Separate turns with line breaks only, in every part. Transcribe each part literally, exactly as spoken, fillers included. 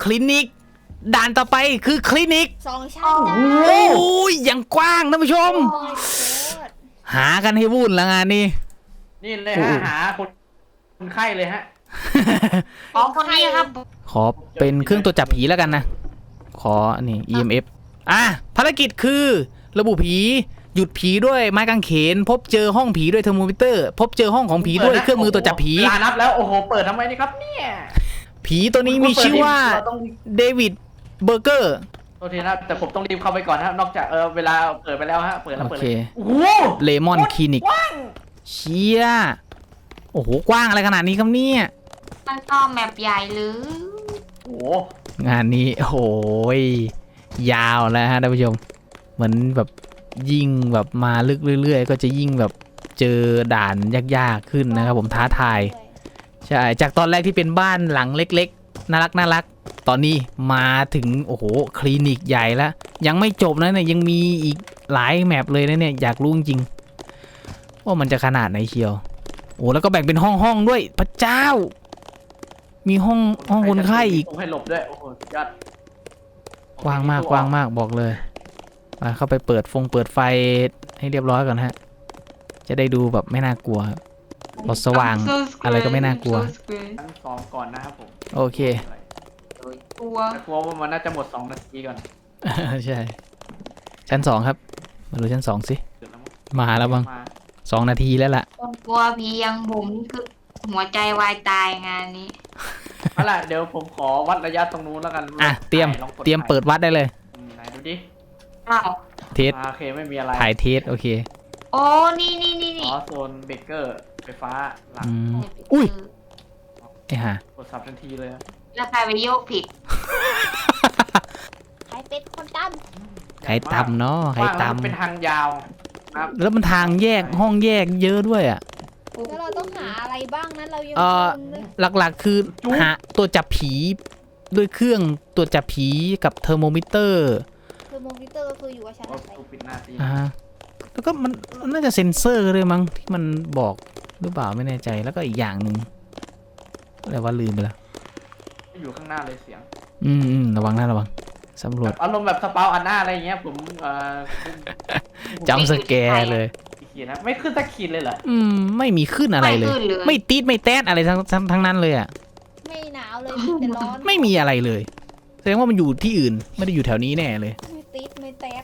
คลินิกด่านต่อไปคือคลินิก
สองชั้นจ้า
โอ้ยยังกว้างท่านผู้ชม
โอ้ยโคตร
หากันให้วุ่นละงานนี้
นี่เลยฮะหาคนคนไข้เลยฮะ
อ๋อคนนี้ครับ
ขอเป็นเครื่องตรวจจับผีแล้วกันนะ ขออันนี้ อี เอ็ม เอฟ อ่ะภารกิจคือระบุผีหยุดผีด้วยไม้กางเขน พบเจอห้องผีด้วยเทอร์โมมิเตอร์ พบเจอห้องของผีด้วยเครื่องมือตรวจจับผี
เวลานับแล้วโอ้โหเปิดทำไมนี่ครับเนี่ย
ผีตัวนี้มีชื่อว่า
เรต้อง
เดวิดเบอร์เกอร์
โทษทีนะแต่ผมต้องรีบเข้าไปก่อนนะนอกจากเออเวลาเปิดไปแล้วฮะเปิดแล้ว
โอ
เปิด
เค
เลยโอ้โห
เลมอนคลินิกเชี่ยโอ้โหกว้างอะไรขนาดนี้ครับเนี่ย
มันก็แมปใหญ่หรือ
โอ้โห
งานนี้โอ้โหยาวแล้วฮะท่านผู้ชมเหมือนแบบยิ่งแบบมาลึกเรื่อยๆก็จะยิ่งแบบเจอด่านยากๆขึ้นนะครับผมท้าทายใช่จากตอนแรกที่เป็นบ้านหลังเล็กๆน่ารักน่ารักตอนนี้มาถึงโอ้โหคลินิกใหญ่แล้วยังไม่จบนะเนี่ยยังมีอีกหลายแมปเลยนะเนี่ยอยากรู้จริงๆว่ามันจะขนาดไหนเชียวโอ้แล้วก็แบ่งเป็นห้องห้องๆด้วยพระเจ้า มีห้องห้องคนไข้อีก
ผมให้หลบด้วยโอ้โหสุดยอด
กว้างมากกว้างมากบอกเลยมาเข้าไปเปิดฟงเปิดไฟให้เรียบร้อยก่อนฮะจะได้ดูแบบไม่น่ากลัวครับพอสว่างอะไรก็ไม่น่ากลัว
ชั้นสองก่อนนะครับผม
โอเค
กลัว
แต่กลัวว่ามันน่าจะหมดสองนาทีก่อน
ใช่ชั้นสองครับมาดูชั้นสองสิ
เดี๋ยวแล้วมั้ง
มาแล้วบ้าง
มา
สองนาทีแล้วล่ะ
คนกลัวผีอยังผมคือหัวใจวายตายงานนี้
เอาล่ะเดี๋ยวผมขอวัดระยะตรงนู้นแล้วกัน
อ่ะเตรียม
ลองก
เตรียมเปิดวัดได้เลย
อืมไหนดูดิ
อ้าว
เทส
อ่าโอเคไม่มีอะไร
ถ่ายเทสโอเค
โอ้นี่นี่นี่
อ๋
นี่
อโซนเบเกอร์ไฟฟ้าหลัง
อืมอุ้ยไอ้ห่าก
ดสับทันทีเลยอะ
แล้วใครไปโยกผิด
ใครเป็นคนตั้ม
ใครตำเนาะใคร
ว่างแล้วมัน
ตำ
เป็นทางยาวนะครับ
แล้วมันทางแยกห้องแยกเยอะด้วยอ่ะ
แล้วเราต้องหาอะไรบ้างนั้นเรายัง
เอ่อ
งงเลย
หลักๆคือหาตัวจับผีด้วยเครื่องตัวจับผีกับเทอร์โมมิเตอร์
คือโมบิเตอร์ก็คืออยู่กับชั้น
โอ้
อะไร
กูปิดหน้าตี
อ่าฮะแล้วก็มันมันน่าจะเซ็นเซอร์เลยมั้งที่มันบอกหรือเปล่าไม่แน่ใจแล้วก็อีกอย่างหนึ่งอะไรว่าลืมไปแล้ว
อยู่ข้างหน้าเลยเสียง
อืมอืมระวังนะระวังสำรว
แบ
จ
บอารมณ์แบบสปาวอันหน้าอะไรอย่างเงี้ยผมเอ่อ
จำสแกร์เลย
ขีดนะไม่ขึ้นสักขีดเลยเหรอ
อืมไม่มีขึ้นอะไรเลย
ไม่ขึ้นเลย
ไม่ตีดไม่แต๊ดอะไรทั้งทั้งทั้งนั้นเลยอ่ะ
ไม่หนาวเลยมีแต่ร้อน
ไม่มีอะไรเลยแสดงว่ามันอยู่ที่อื่นไม่ได้อยู่แถวนี้แน่เลย
ไม่ติดไม่แตก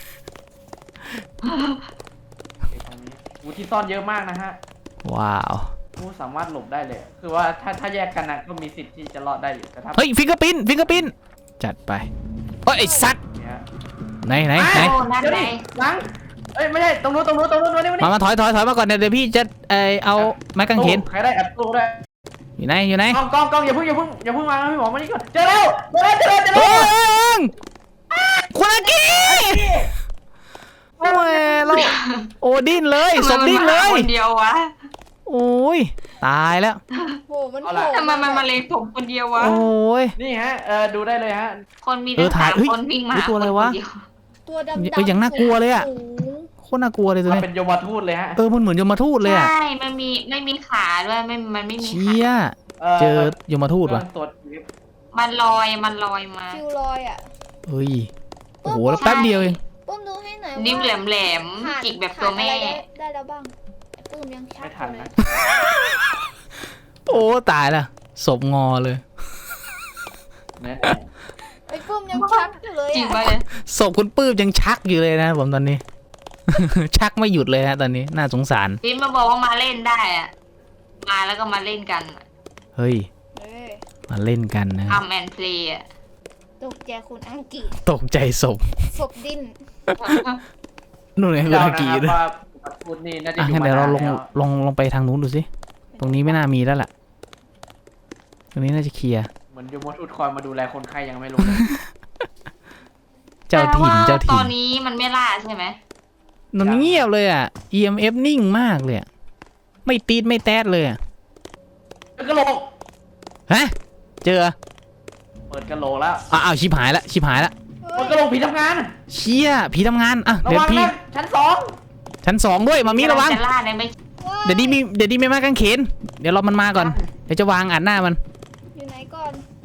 ไอ้ตรงนี้อูที่ซ่อนเยอะมากนะฮะ
ว้าว
อูสามารถหลบได้เลย คือว่าถ้าถ้าแยกกันนะก็มีสิทธิ์ที่จะรอดได้อยู่แต่ถ้า
เฮ้ยฟิงเกอร์พินฟิงเกอร์พินจัดไปเฮ้ยไอ้สัตว์
เนี่ย
ไหนไหนไหน
โอ้นั่น
เดี๋ยว
ไง
ดิหลังเอ้ยไม่ใช่ตรงนู้นตรงนู้นตรงนู้นตรงนี้
มามาถอยถอยถอยมาก่อนเดี๋ยวเดี๋ยวพี่จะเออเอาไม้กางเขน
ใครได้แอบตู้ได้
อยู่ไหนอยู่ไหน
กล้องกล้องกล้องอย่าเพิ่งอย่าเพิ่งอย่าเพิ่งมานะพี่หมอมานี่ก่อนเจอแล้วเจอแล้วเจอแล้วเจอ
โอ้
แล้ว
ยคุณอากิโอ้ยเราโอ้ดิ้นเลยศพดิ้นเลย
คนเดียววะ
โอ้ยตายแล้ว
โหมันโผล่
ทำไมมันมาเลงผมคนเดียววะ
โอ้ย
นี่ฮะเออดูได้เลยฮะ
คนมี
เอ
ตั้
อง ถ่าย
สาม
เฮ้ย
คนวิ่งมา
รู้ตัวอะไรวะ
คนเดีย
ตัวดำ
เอ้ยอย่างน่ากลัวเลยอะ
สูง
โคตรน่ากลัวเลยตัว
มัน
นี้
เป็นโยมทูตเลยฮะ
เออมันเหมือนยมทูตเลยอ่ะ
ใช่มันมีไม่มีขาด้วยไม่มันไม่มี
เชี่
ขาย
เจอยมทูต
เครื่
ว่ะ
องตรวจ
มันลอยมันลอยมา
คิวลอยอ่ะ
เฮ้ยโอ้โหแล้วแป๊บเดียวเอง
ปุ้มดูให้หน่อยว่า
นิ้วแหลมแหลม
ขาด
จิกแบบตัวแม่
ขาดอะไรได้ได้แล้วบ้างปุ้มยังชั
ไม่
ก
ทัน
อยู่เล
นะ
ย
โอ้ตายละศพงอเลย
เนี่ย
ไอ้ปุ้มยังชักอยู่เลย
จริง
อ่ะ
ปะเนี่ย
ศพคุณปื้มยังชักอยู่เลยนะผมตอนนี้ ชักไม่หยุดเลยฮะตอนนี้น่าสงสาร
พี่มาบอกว่ามาเล่นได้อะมาแล้วก็มาเล่นกัน
เฮ้ย
เอ้ย
มาเล่นกันนะ
ทำแอนเพลย์อะ
ตกใจคุณอังกี
ตกใจศพ
ศพดิ้น
นู่นไงคุณ
เจ้า
อา
นะ
กิ
ครับ
ด้วย
ว่าพูดนี่น่าจะ
อ่ะ
อยู่
งั้น
มา
เดี๋ยวเรา
นาน
ลง
แล้ว
ลงลงไปทางนู้นดูสิตรงนี้ไม่น่ามีแล้วล่ะตรงนี้น่าจะเคลียร์
เหมือนโยมทูตคอยมาดูแลคนไข้ยังไม่รู้เลย
เจ้าถิ่น
แต่ว่
เจ้า
ต
ถิ่
อน นนี้มันไม่ล่าใช่ไหม
มันเงียบเลยอ่ะ อี เอ็ม เอฟ นิ่งมากเลยอะไม่ตีดไม่แต๊ดเลยอะ
เปิดกระโหลก
ฮะเจอ
เปิดกระโหลกแล้ว
อ้าวชิบหายละชิบหายละ
เฮ้
เปิ
ย
ดกระโหลกผีทำงาน
เชี่ยผีทำงานอ่ะ
ระ
เดี๋ยว
วัง
พี่
นะชั้นสอง
ชั้นสองด้วยมามีระวัง
จะล่าในไม่
เดี๋ยวดีมีเดี๋ยวดีไม่มากางเขนเดี๋ยวรอมันมาก่อนเดี๋ยวจะวางอัดหน้ามัน
อยู่ไหนก่อน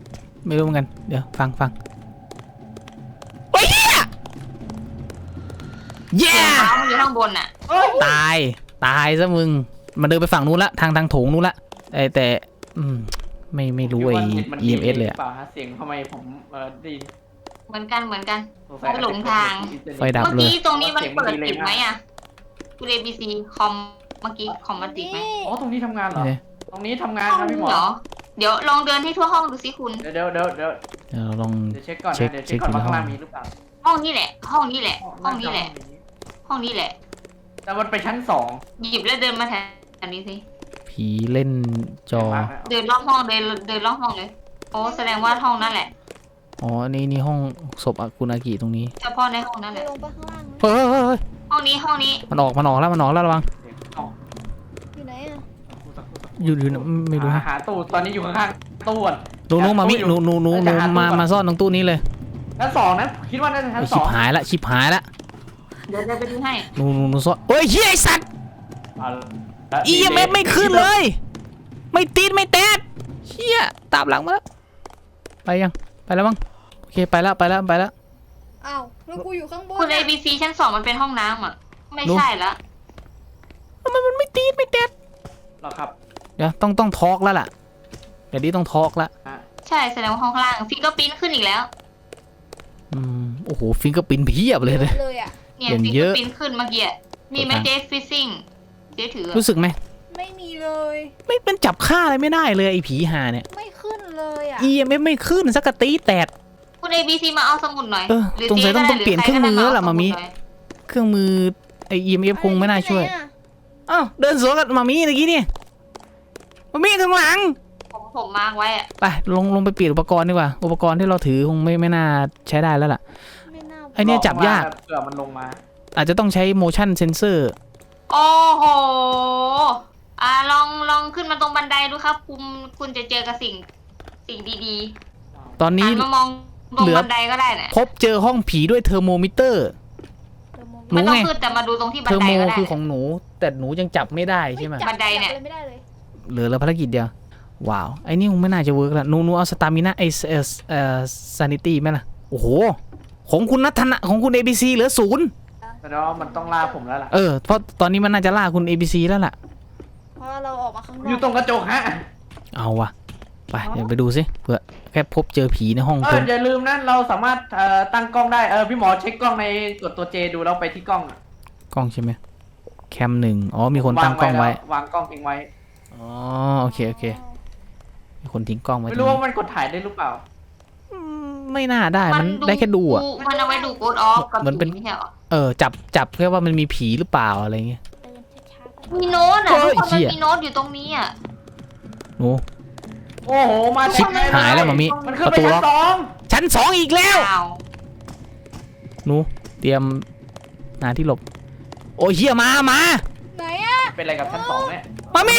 ไม่รู้เหมือนกันเดี๋ยวฟังฟังโอ้ยเหี้ยเย้
เท้ามันอยู่ข้างบนอ่ะ
ตายตายซะมึงมันเดินไปฝั่งนู้นละทางทางโถงนู้นละไอแต่อืมไม่ไม่รู้ไอ
มัน
อี เอ็ม เอส เลยอะ
เปล่าฮะเสียงทำไมผมเออไดี
เหมือนกันเหมือนกัน
สงสัย
ไม่หลงทาง
ไฟดับ
เมื่อ
เลย
กี้ตรงนี้มันเปิดติดไหมอ่ะคุณเอบีซีคอมเมื่อกี้คอมมันติดไหม
อ๋อตรงนี้ทำงานเหรอ
เนี่ย
ตรงนี้ทำงาน
ห้อง
ครับ
นึ
พี่
ง
หมอ
เหรอเดี๋ยวลองเดินให้ทั่วห้องดูสิคุณ
เดี๋ยวเดี๋ยวเดี๋ยวเดี๋ยว
เดี๋ยวเราลอง
เดี๋ยวเช็คก่อน
เช็ค
นะเดี๋ยวเช็คก่อน
เช็ค
ว่าข้างล่าง
ในห้อง
มีหรือเปล่า
ห้องนี้แหละ ห้องนี้แหละ ห้องนี้แหละ ห้องนี้แหละ
แต่มันไปชั้นสอง
หยิบแล้วเดินมาแถวนี้สิ
ผีเล่นจอ
มากนะ
เดินรอบห้องเดินเดินรอบห้องเลยโอ้แสดงว่าห้องนั่นแหละ
อ๋อนี่นี่ห้องศพอากุนากิตรงนี้
เฉพาะในห้องนั่นแห
จะ
ละ
ลงไปข้างล่างไหม
เฮ้ยเฮ้ยเฮ้ย
ห้องนี้ห้องนี้
มันออกมันออกแล้วมันออกแล้วระวัง
เดี๋ยวเอา
อยู่ไหนอ่ะ
อยู่อยู่ไม่รู้
หา
ฮะ
หาตู้ตอนนี้อยู่ข้างๆตู้ก่อน
หนูหนูมามิหนูหนูหนูหนูมามาซ่อนตรงตู้นี้เลย
ชั้นสองนะคิดว่าน่าจะชั้น
ไอ้
ส
ชิ
อบ ง
หายละชิบหายละ
เดี๋ยวเดินไปดูให้
หนูหนูหนูซ่อนเฮ้ยเฮียไอสัตว์
เอาละ
อีเอ็มเอฟไม่ขึ้นเลย ไม่ติดไม่แตกเฮียตามหลังมาแล้วไปยังไปแล้วมั้งโอเคไปแล้วไปแล้วไปแล้ว
อ้าวแล้วกูอยู่ข้างบน
คุณ
อะ
A B C ชั้นสองมันเป็นห้องน้ำอ่ะไม่ใช่ละ
ทำไมมันไม่ติดไม่แตก
เหรอครับ
เดี๋ยวต้องต้องทอกแล้วล่ะเดี๋ยวนี้ต้องทอกละ
อ่ะ
ใช่แสดงว่าห้องข้างล่างฟิงเกอร์ปิ้นขึ้นอีกแล้ว
อืมโอ้โหฟิงเกอร์ปิ้นเพียบเลยเลย
เลยอ่ะ
เนี่ย
อย่าง
ฟิง
เย
เกอ
อะ
ร์ปิ้นขึ้นเมื่อกี้อะมีไหม
กดทาง
เจฟฟิซซิ่งเจ๊ถืออะ
รู้สึกไหม
ไม่มีเลย
ไม่เป็นจับค่าอะไรไม่ได้เลยไอ้ผีหาเนี่ย
ไม่ขึ้นเลยอ่ะ
อี เอ็ม เอฟ ไม่ขึ้นสักกะตีแตก
คุณ A B C มาเอาสมุดหน่อย
เออ
หรือ
สงสัย
จ๊
ต้อง
ก็ได้
ต้องเปลี่ยน
ห
เครื่องมือแล้วล่ะ
ใคก็ได้
มามิ
เอสดหน่อย
เครื่องมือไอ อี เอ็ม เอฟ คงไม่น่าช่วย
อะร
อ้าวเดินสวนกับมามีเมื่อกี้เนี่ยมามีข้างหลัง
ผมผมมาร์กไว้อะ
ไปลงลงไปเปลี่ยนอุปกรณ์ดีกว่า อุปกรณ์ที่เราถือคงไม่ไม่น่าใช้ได้แล้วล่ะ
ไม่น่า
ไอเนี่ยจับยาก
เผื่อมันลงมา
อาจจะต้องใช้ motion sensor
โอ้โหอ่าลองลองขึ้นมาตรงบันไดดูครับ คุณคุณจะเจอกับสิ่งสิ่งดี
ตอน
ๆ
นี้
หันมามองตรง
เหลือ
บันไดก็ได้นะ
พบเจอห้องผีด้วยเทอร์โมมิเตอร์
เดี๋ยวมอง
หนู
มันต้อง
ไง
ขึ้นแต่มาดูตรงที่บั
เท
น
อร์
ได
โม
ก็ได้
คือของหนู แต่หนูยังจับไม่ได้ใช่ไหม
จั
บันไดเนี่ย
จับอะไรไม่ได้เลย
เหลือแล้วภารกิจเดียว ว้าว ไอ้นี่คงไม่น่าจะเวิร์กละหนูหนูเอาสตามินะไอเอสเอ่อซานิตี้ไหมล่ะ โอ้โห ของคุณนัทนะของคุณ เอ บี ซี เหลือศูนย์
แสดงว่ามันต้องล่าผมแล้วล่ะ
เออ เพราะตอนนี้มันน่าจะล่าคุณ เอ บี ซี แล้วล่ะ
เพราะเราออกมาข้างนอก
อยู่ตรงกระจกฮะ
เอาวะไปเดี๋ยวไปดูสิเผื่อแค่พบเจอผีในห้อง
เอ
เพิ่
อ
ม
อย่าลืมนะเราสามารถเอ่อตั้งกล้องได้เออพี่หมอเช็คกล้องในกดตัวเจดูแล้วไปที่กล้องอะ
กล้องใช่ไหมแคมหนึ่งอ๋อมีคนตั้งกล้องไว้
แล้ววางกล้องทิ้งไว้
อ๋อโอเคโอเคมีคนทิ้งกล้องไว้
ไม่
ตรง
รู้
นี้
ว่ามันกดถ่ายได้หรือเปล่า
อืมไม่น่าได้มันได้แค่ดูอ่ะ
มันเอาไว้ดูโกดออฟกับ
เหมือนเป็น
ผีไม่ใช่หรอ
เออจับจับแค่ว่ามันมีผีหรือเปล่าอะไรเงี้ย
เดินช้าๆกัน
มีโน้ตอ่ะ
เฮ้
ทุก
ย
คนมัน
เหี้ย
มีโน้ตอยู่ตรงนี้อ่ะ
หนู
โอ้โหมา
ชิบ
เต็มเ
หายแล้วมามิ
มันขึ้น
ประ
ไป
ตู
ชั้
ล็อน ก
สอง
ชั้นสองอีกแล้ว
อ้าว
หนูเตรียมหาที่หลบ โอ้ยเฮียมามา
ไหนอ่ะ
เป็นอะไรกับชั้นสองเนี่ย
มามี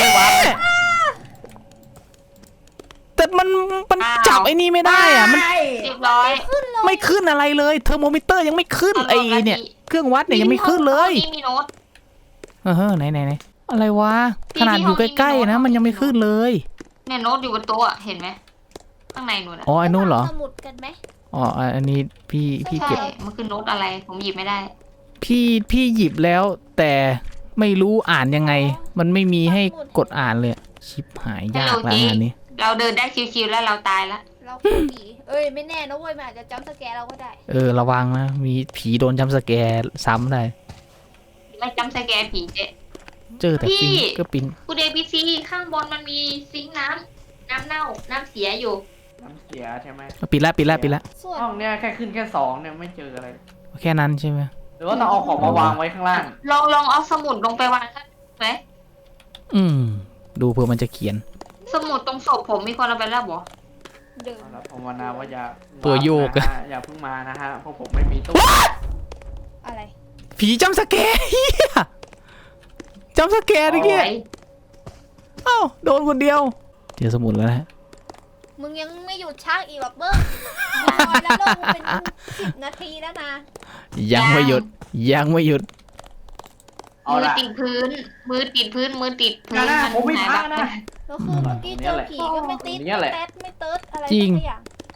แต่มันมันจับไอ้นี่ไม่ได้อ่ะมัน
เรียบร้อย
ขึ้นเลย
ไม่ขึ้นอะไรเลยเทอร์โมมิเตอร์ยังไม่ขึ้นไอ้เนี่ยเครื่องวัดเนี่ยยังไม่ขึ้นเลย
ห้องนี้มีโน้ต
เออไหนไหนไหนอะไรวะ
พี่
ขนาดอยู่
พี่ห้องนี้
ใกล้
มี
ๆ
โน้
นะ
ต
มันยังไม่ขึ้นเลย
เนี่ยโน้ตอยู่บนโต๊ะอะเห็นไหมข้างในนู่นอ่ะ
อ๋อไอ้นู่นเหรอ
สมุดกันไหม
อ๋ออันนี้พี่พี่
ใช่
เก็บ
มันคือโน้ตอะไรผมหยิบไม่ได้
พี่พี่หยิบแล้ว แต่ไม่รู้อ่านยังไง มันไม่มีให้กดอ่านเลย ชิบหายยากแล้วงานนี้
เราเดินได้ชิวๆแล้วเราตายแล้ว
เราคือผีเอ้ยไม่แน่นะเว้ยมันอาจจะจำสแกร์เราก็ได้
เออระวังนะ มีผีโดนจำสแกร์ซ้ำได้
ไม่จำสแกนผีเจ๊
เจอแต่
พี่
ฟิงก็ปิน
คุณเอพีซีข้างบนมันมีซิงค์น้ำน้ำเน่าน้ำเสียอยู่
น้ำเสียใช่ไหม
ปิดละปิดละปิดละ
ส่วน
ห้องเนี้ยแค่ขึ้นแค่สองเนี่ยไม่เจออะไร
แค่นั้นใช่ไหม
หรือว่าเราเอาของมาวางไว้ข้างล่าง
ลองลองเอาสมุดลงไปวางข้างไหม
อืม ดูเพื่อมันจะเขียน
สมุดตรงศพผมมีคนเอาไปแล้วบอ
เดิน
เอาละภาวนาว่าอย่า
ตัวโยกอะ
นะฮะอย่าเพิ่งมานะฮะเพราะผมไม่มีตู้
อะไร
ผีจำสแกร์เฮียจำสแกร์เมื่อกี้
โอ้ย
เอ้าโดนคนเดียว เจอสมุดแล้วนะ
มึงยังไม่หยุดชักอีกหรอกเบิ้งมึงนอนแล้วลงเป็นสิบนาทีแล้วนะ
ยังไม่หยุดยังไม่หยุด
เอา
มือ
ละ
ติดพื้น มือติดพื้นมือติดพื้น
นะนะผมไม่
หาย
พ
แบ
ลา
บ
ดนะ
แล้วคือเมื่อกี้เจอผีก็ไม่ติด
เนี่ย
ไม่
แหละ
แต๊ดไม่เติร์ดอะไร
จริง
สักอย่าง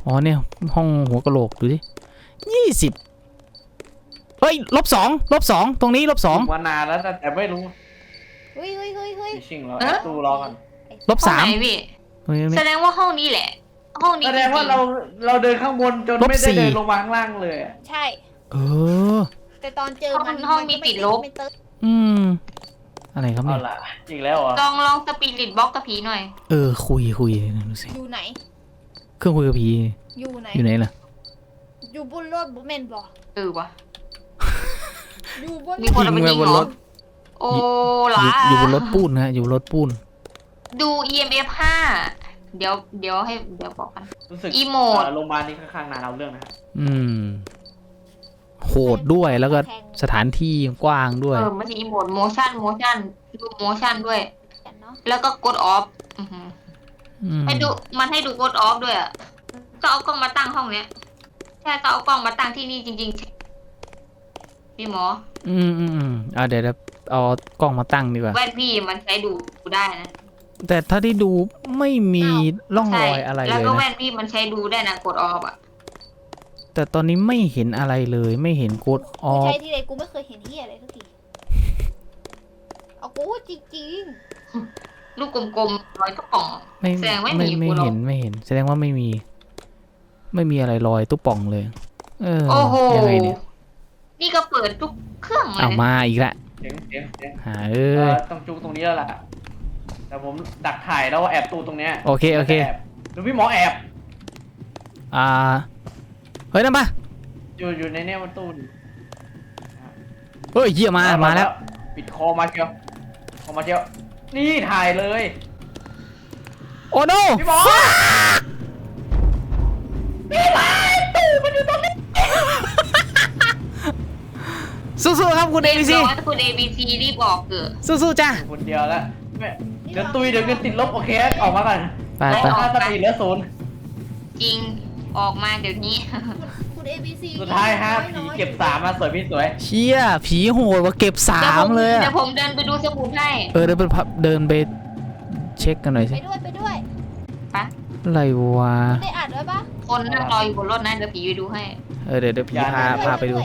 อ๋อเนี่ยห้องหัวกะโหลกดูดิยี่สิบเฮ้ยลบสองลบสองตรงนี้ลบสอง
มานานแล้วแต่ไม่รู้
เฮ้ยเฮ้ยเฮ้ยเฮ้ย
ชิงเราแอบตู้รอกัน
ลบ
ห้อง
สาม
ไหนพี่
เฮ้ย
แสดงว่าห้องนี้แหละ ห้องนี้
แส
จ
ด
ริ
งว่าเรา
ง
เราเดินข้างบนจน
ลบ
ไม่ได้
สี่
เดินลงมาข้างล่างเลยอะ
ใช่
เออ
แต่ตอนเจอมัน
ๆห้องมี
นก็
ติดลบ
ไม่เติร์ด
อืมอะไรครับ
เอา
เนี่ย
ล่ะอีกแล้วเหรอ
ลองลองสปิริตบล็อกกับผีหน่อย
เออคุยคุยดูสิ
อยู่ไหน
เครื่องคุยกับผี
อยู่ไหน
อยู่ไหนล่ะ
อยู่บนรถบนเมนบอก
เออวะ
อยู่บน
มีคนเอาไปยิง
บน
เหร
ร
อ
ถ
โอ้
อ
ล่ะ
ยู่อยู่บนรถปูนนะอยู่บนรถปูน
ดู อี เอ็ม เอฟ ห้า เดี๋ยวเดี๋ยวให้เดี๋ยวบอกกัน
รู้สึก
อีโมด
เโรงพยาบาลนี้ค่อนข้างนานเอาเรื่องนะฮะ
อืมโหดด้วยแล้วก็สถานที่กว้างด้วย
เออไม่ใช่อีโมด motion motion ดู motion ด้วย
กันเนาะ
แล้วก็กด off อือหือ
อืม
ให้ดูมันให้ดูกด off ด้วยอ่ะ ก็เอากล้องมาตั้งห้องเนี้ยใช่ก็เอากล้องมาตั้งที่นี่จริงๆพี่หมอ
อืมอืมอืมอ่าเดี๋ยวเดี๋ยวเอากล้องมาตั้งดีกว่า
แว่นพี่มันใช้ดูได้นะ
แต่ถ้าที่ดูไม่มีร่องรอยอะไร
แล้ว
เลย
ก็
นะ
แว่นพี่มันใช้ดูได้นะกด off อ่ะ
แต่ตอนนี้ไม่เห็นอะไรเลย ไม่เห็นกดอ
กู
อ
ใช้
ฟ
ที่ไรกูไม่เคยเห็นที่อะไรสักทีเอากูจริง
ลูกกลมๆร้อยตุ๊กป่อง
ไม่
แสดงว่า
ไม่
มี
ไม่
กูหรอก
เห็นไม่เห็น แสดงว่าไม่มี ไม่มีอะไรลอยตุ๊ป่องเลย เออ
โอ้โห
ยังไงเนี่ย
นี่ก็เปิดทุกเครื่องเล
เอา
ย
มาอีกละ
เสียงเสียงเสียง
หาเอ
เอ
อ
อต้องจุกตรงนี้แล้วล่ะแต่ผมดักถ่ายแล้วแอบตู้ตรงเนี้ย
โอเคโอเค
แบดูพี่หมอแอบ
อ่าเฮ้ยนั่นปะ
อยู่อยู่ในเนี่ยมันตู้นี่
เฮ้ยเยี่ยมามาแล้ว
ปิดคอมาเชียวคอมาเชียวนี่ถ่ายเลย
โอ้โน
พี่หมอพี่หมอตู้มันอยู่ตรงนี้
สู้ๆครับคุณเอ
เรีย
บี
บ
ซี
ร้อยคุณ เอ บี ซี รีบบอกเกิด
สู้ๆจ้า
คนเดียวแล้วแม่เดี๋ยวตุยเดี๋ยวเงินติดลบโอเคออกมาก่อน
ไปไป
ค่าสปีดเหลือศูนย์
จริงออกมาเดี๋ยวนี้
ๆคุณเอบีซี
สุดท้ายฮะผีเก็บสามมาสวยพี่สวย
เชี่ยผีโหดว่าเก็บสามเลย
เดี๋
อะ
ยวผมเดินไปดูสมุดให้
เออเดินไปพับเดินไปเช็คกันหน่อย
ไป
สิ
ด้วยไปด้วย
ปะ
อะไรวะ
ได้อ่านไว้ปะ
คนนั่งรออยู่บนรถนะเดี๋ยวผีไปดูให้
เออเดี๋ยวเดี๋ยวผีพา
ด้วย
พาไปดู
วย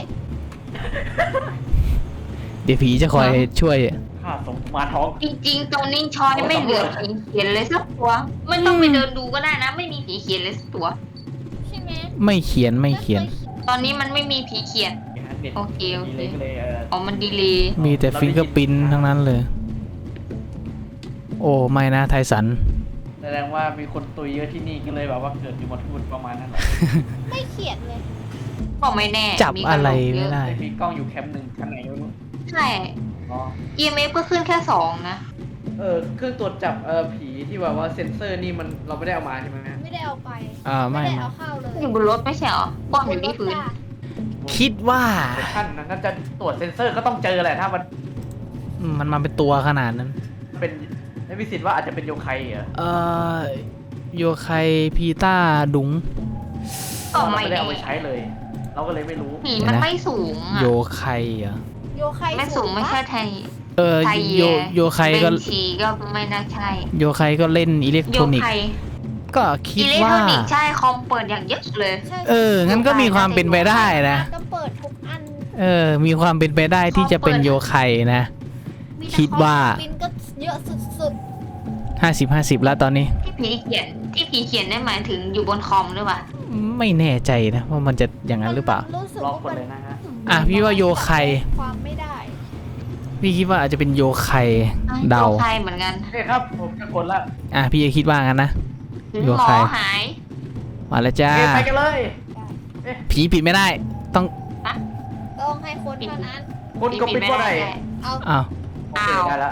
เดี๋ยวผีจะคอยช่วย
ค่าสมมาท้อง
จริงๆตรงนี้ชอยไม่เหลือผีเขียนเลยสักตัว ไม่ต้องไปเดินดูก็ได้นะ ไม่มีผีเขียนเลยสักตัว
ใช่ไหม
ไม่เขียนไม่เขียน
ตอนนี้มันไม่มีผีเขียน โอเคโอเค
ดีเลยก็เลยเออ
อ๋อมันดีเลย
มีแต่ฟิงเกอร์ปินทั้งนั้นเลย โอ้ไม่นะไทสัน
แสดงว่ามีคนตุยเยอะที่นี่ก็เลยแบบว่าเกิดอยู่หมดทุนประมาณนั้นแหละ
ไม่เขียนเลย
ก็ไม่แน่
จับ
มีก
อะไร
โหลกเย
ไม่ได้
แต่มีกล้องอยู่แคมป์หนึ่งข้างไหนไม่รู้
ใช่
อ๋อ
อี เอ็ม เอฟ ก็ขึ้นแค่สองนะ
เออเครื่องตรวจจับเออผีที่แบบว่าเซ็นเซอร์นี่มันเราไม่ได้เอามาใช่ไหมฮะ
ไม่ได้เอาไป
อ่าไม่
ได้
ไม่
เอาเข้าเลย
อยู่บนรถไม่ใช่เหรอป้อมอยู่ที่พื้น
คิดว่า
แต่ท่านนั้นถ้าจะตรวจเซ็นเซอร์ก็ต้องเจอแหละถ้ามัน
มันมาเป็นตัวขนาดนั้น
เป็นไม่มีสิทธิ์ว่าอาจจะเป็นโยไคเหรอ
เอ่อโยไคพีต้าดุง
ก็
เรา
ไม่
ไม่ได้
แน่
เอาไปใช้เลย เราก็เลยไม่รู้
ผีมันไม่สูงอ่ะ
โยไคเหรอ่ะ
โยไค
ไม่สูงไม่ใช่ไทย
เออ
ไทย
โยโยไคก็
เบนชีก็ไม่น่าใช่
โยไคก็เล่นอิเล็ก
โย
ทรอนิก
ไค
ส์ก็คิ
อิ
ด
เล็ก
ว่า
ทรอนิกส์ใช่คอมเปิดอย่างเยอะเลย
ใช่
เออ งั้นก็มีความเป็นไปได้นะ
ก็เปิดทุกอัน
เออ มีความเป็นไปได้ที่จะเป็นโยไคนะ
มีแต่
คิดว่า
ปินก็เยอะสุด
ห้าสิบห้าสิบแล้วตอนนี้
ที่ผีเขียนที่ผีเขียนได้หมายถึงอยู่บนคอมหรือเปล่า
ไม่แน่ใจนะว่ามันจะอย่าง
ๆ
นั้นหรือเปล่า
มันรู้สึก
ลอง
ว่าก
ด
มัน
เลยนะฮะ
อ่ะพี่ว่าโยไค
ความไม่ได้
พี่คิดว่าอาจจะเป็นโยไคเดา
โยไคเหมือนกัน
โอเคครับผมจะกดละ
อ่ะพี่คิดว่างั้นนะ
หรือ
โย
หม
ไค
อหาย
มาแล้ว
โอ
จ้า
เคไปกันเลย
ผีปิดไม่ได้ ต้อง
ต้องให้คนเท่านั้น
คุณก็ปิดว่าไหน
เอา
อ้าว
โอเคได้ละ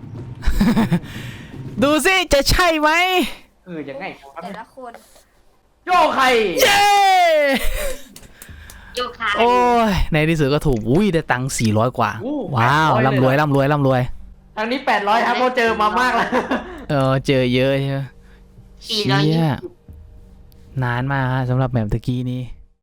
ดูสิจะใช่ไหม
เออยังไงครับ
แต่ละคน
โยไค
เย้
โยไค
โอ้ยในที่สุดก็ถูกอุ้ยได้ตังค์สี่ร้อยกว่า
อู้
ว้าว
แปดอย
ร่ำรวยร่ำรวยร่ำรวย
ทางนี้แปดร้อยครับเราเจอมามากแล้ว
เออเจอเยอะใช่ไหม
สี่ร้อยยี่
เชี่ย
สิบ
นานมากฮะสำหรับแบบตะกี้นี้